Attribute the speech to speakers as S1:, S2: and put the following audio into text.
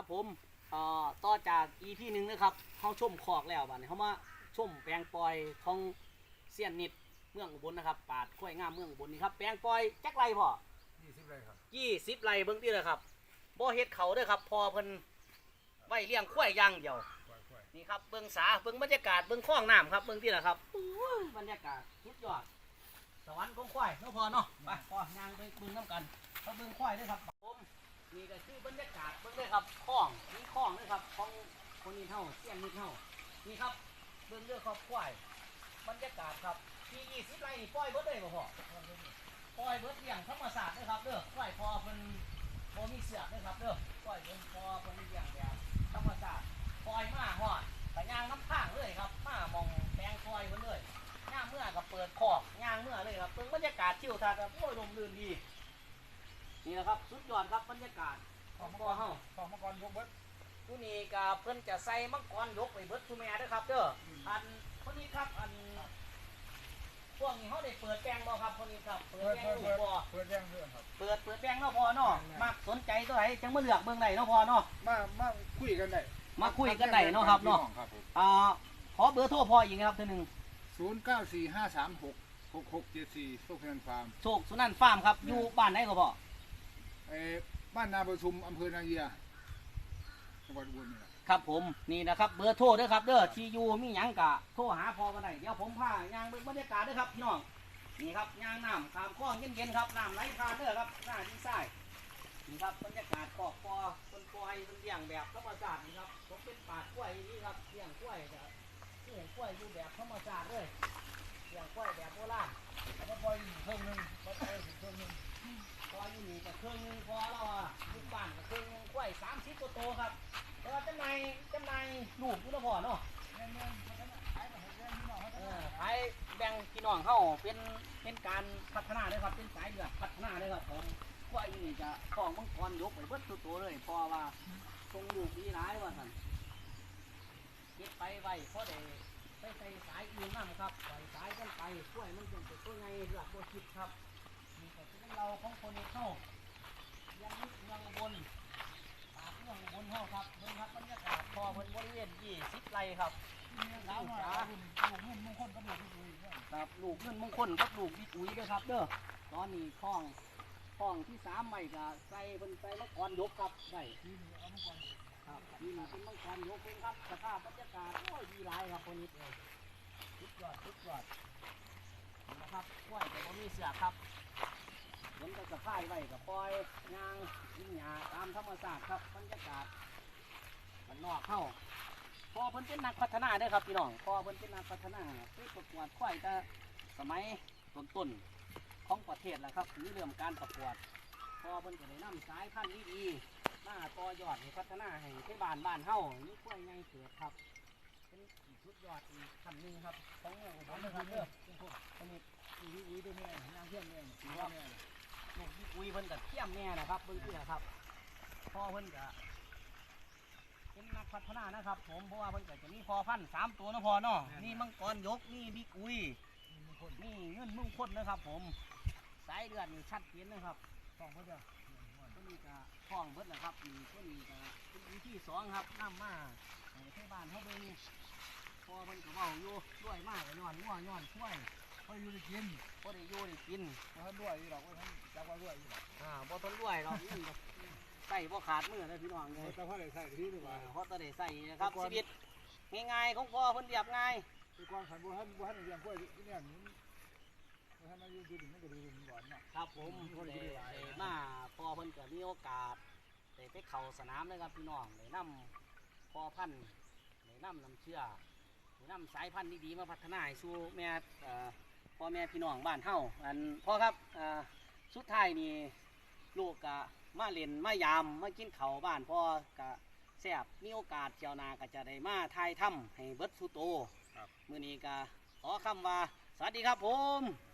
S1: ผมต่อจาก EP หนึ่งนะครับเขาชมคอกแล้วบัดนี้เขามาชมแปลงปล่อยของเซียนนิดเมืองอุบลนะครับปาดกล้วยงามเมืองอุบลนี่ครับแปลงปล่อยจักไรพ่อ
S2: 20 ไร่ครับ
S1: 20 ไร่เบิ่งที่เลยครับบ่เฮ็ดเขาเด้อครับพอเพิ่นไว้เลี้ยงควายอย่างเดียวนี่ครับเบิ่งสาเบิ่งบรรยากาศเบิ่งคลองน้ำครับเบิ่งที่ละครับบรรยากาศสุดยอดสวรรค์ของควายเนาะพอเนาะไปพอย่างไปเบิ่งน้ำกันเขาเบิ่งควายด้วยครับผมนี่ก็คือบรรยากาศเบิ่งด้วยครับคลองนี่คลองด้วยครับของคนนี้เท่าเสี้ยนนี่เท่านี่ครับเบิ่งเรื่องครอบควายบรรยากาศครับที่20 ไร่นี่ปล่อยเบิดเลยบ่พ่อปล่อยเบิดเลี้ยงธรรมชาตินะครับเด้อควายพอเพิ่นบ่มีเสือกนะครับเด้อปล่อยเพิ่นพอเพิ่นเลี้ยงแบบธรรมชาติปล่อยมาฮอดแต่ย่างน้ำข้างเลยครับมามองแปลงปล่อยเพิ่นเลยย่างเมื่อก็เปิดคอกย่างเมื่อเลยครับเบิ่งบรรยากาศชิวทัศน์ครับโอ้ยลมลื่นดีนี่แหละครับสุดยอดครับบรรยากาศของบ่อเฮา
S2: ของมังกรยกเบิด
S1: ผู้นี้ก็เพิ่นจะใส่มังกรยกไปเบิดซุแม่เด้อครับเด้ออันคนนี้ครับอันพวกนี้เฮาได้เปิดแปลงบ่ครับคนนี้ครับเปิดแปลงลูกบ่
S2: เปิดแย่งเรื่องครับ
S1: เปิดแปลงเนาะพอเนาะมักสนใจตัวไหนจังมาเลือกเบิ่งได้เนาะพอเนาะ
S2: มาคุยกันได้
S1: มาคุยกันได้เนาะครับเนาะขอเบอร์โทรพออีกนะครับเทื่อนึง
S2: 0945366674โชคนันฟาร์ม
S1: โชคสุนันท์ฟาร์มครับอยู่บ้านไหนก็พอ
S2: บ้านนาประชุมอำเภอนาเยียจังหวัดอุบลนี่แหละ
S1: ครับผมนี่นะครับเบอร์โทรเด้อครับเด้อที่อยู่มีหยังกะโทรหาพอกันได้เดี๋ยวผมพายางเบิ่งบรรยากาศเด้อครับพี่น้องนี่ครับยางน้ำตามคลองเย็นๆครับน้ำไหลผ่านเด้อครับหน้าที่ซ้ายนี่ครับบรรยากาศคอกปอต้นปอยเป็นเลี้ยงแบบธรรมชาตินี่ครับผมเป็นป่ากล้วยนี่ครับเลี้ยงกล้วยจะเลี้ยงกล้วยอยู่แบบธรรมชาติเลยเลี้ยงกล้วยแบบโบราณ
S2: แล้วปล่อยเครื่องนึงปล่อยเครื่องนึง
S1: พออยู่นี่กับเครื่องนึงพอเราลูกบ้านกับเครื่องนึงกล้วย30ตัวโตครับแต่ว่าจำนายลูกอยู่นะพ่อเนาะขายแบ่งพี่น้องเข้าเป็นการพัฒนาเลยครับเป็นสายเลือดพัฒนาเลยครับผมกล้วยนี่จะของมังกรยกไปเบิดตัวเลยเพราะว่าทรงลูกดีร้ายว่าสั่นเก็บไปไว้เพราะได้ไปใส่สายอื่นนั่นครับใส่สายกันไปกล้วยมันจะเป็นตัวไงเลือดโบคิดครับนี่ก็เป็นเราของคนนี้เข้ายังนิดเมืองบนปากเมืองบนห้องครับเมืองครับบรรยากาศพอเพิ่นบริเวณ20 ไร่ครับ
S2: ลูกเงินมงคลกับลูกดุย
S1: ครับลูกเงินมงคลกับลูกบิ๊กอุ้ยด้วยครับเด้อตอนนี้คล้องที่3ใหม่ก็ใส่เป็นใส่มังกรยกครับได้ครับนี่มาเป็นมังกรยกเป็นครับสภาพบรรยากาศโอ้ยดีหลายครับคนนี้เลยสุดยอดนะครับกล้วยแต่บ่มีเสือครับฝนก็สะพายไว้กับปล่อยยางกินหญ้าตามธรรมชาติครับบรรยากาศมันนอกเข้าพอเพิ่นเป็นนักพัฒนาเด้อครับพี่น้องพอเพิ่นเป็นนักพัฒนาไปประกวดควายแต่สมัยต้นของประเทศแหละครับถึงเรื่องการประกวดพอเพิ่นก็ได้นำสายพันธุ์ดีๆมาต่อยอดให้พัฒนาให้ที่บ้านเฮานี่ควายใหญ่เกิดครับเป็นชุดยอดอีกขั้นหนึ่งครับของเมืองอุบลนะครับเด้อคนนี้
S2: อุ้ยด้วยแม่นางเพื่อนแม่สี
S1: ว่า
S2: แม่
S1: ลูกอุ้ยเพิ่นก็เทียมแม่นะครับเพิ่นคือครับพ่อเพิ่นก็เป็นนักพัฒนานะครับผมเพราะว่าเพิ่นก็จะมีพอพันธุ์3 ตัวนะพอเนาะนี่มังกรยกนี่บิ๊กอุ้ยนี่เงินมงคลนะครับผมสายเลือดนี่ชัดเจนนะครับ
S2: ของเขาจะ
S1: ตัวนี้ก็คล้องเบิดนะครับนี่ตัวนี้ก็เป็นวิธี2ครับน้ำมาให้บ้านเขาเบิ่งพอเพิ่นก็เว้าอยู่ด้วยมากย้อนงัวย้อนช่วย
S2: พออยู่ได้กิน
S1: พอได้อยู่ได้กิน
S2: บ่ทันด้วยหรอกว่าท่านจับว่าด้วยอยู่
S1: บ่ทนด้วยหรอกใส่บ่ขาดมือเลยพี่น้องเลย
S2: แต่พ่อได้ใส่ที่นี่ว่า
S1: เขาจะได้ใส่นะครับชีวิตง่ายๆของพ่อเพิ่นเรียบง่าย
S2: คือความขันบ่ทันเลี้ยงกล้วยเนี่ยบ่ทันมาอยู่ดินมันก็ดีดินก่อนเนาะ
S1: ครับผมมาพ่อเพิ่นก็มีโอกาสได้ไปเข้าสนามเลยครับพี่น้องได้นำพ่อพันธุ์ได้นำน้ำเชื่อได้นำสายพันธุ์ดีๆมาพัฒนาให้สู่แม่พ่อแม่พี่น้องบ้านเฮาอันพ่อครับสุดท้ายนี่ลูกก็มาเล่นมายามมากินข้าวบ้านพ่อก็แซ่บมีโอกาสเจ้านาก็จะได้มาถ่ายทำให้เบิดสุโตมื้อนี้ก็ขอคำว่าสวัสดีครับผม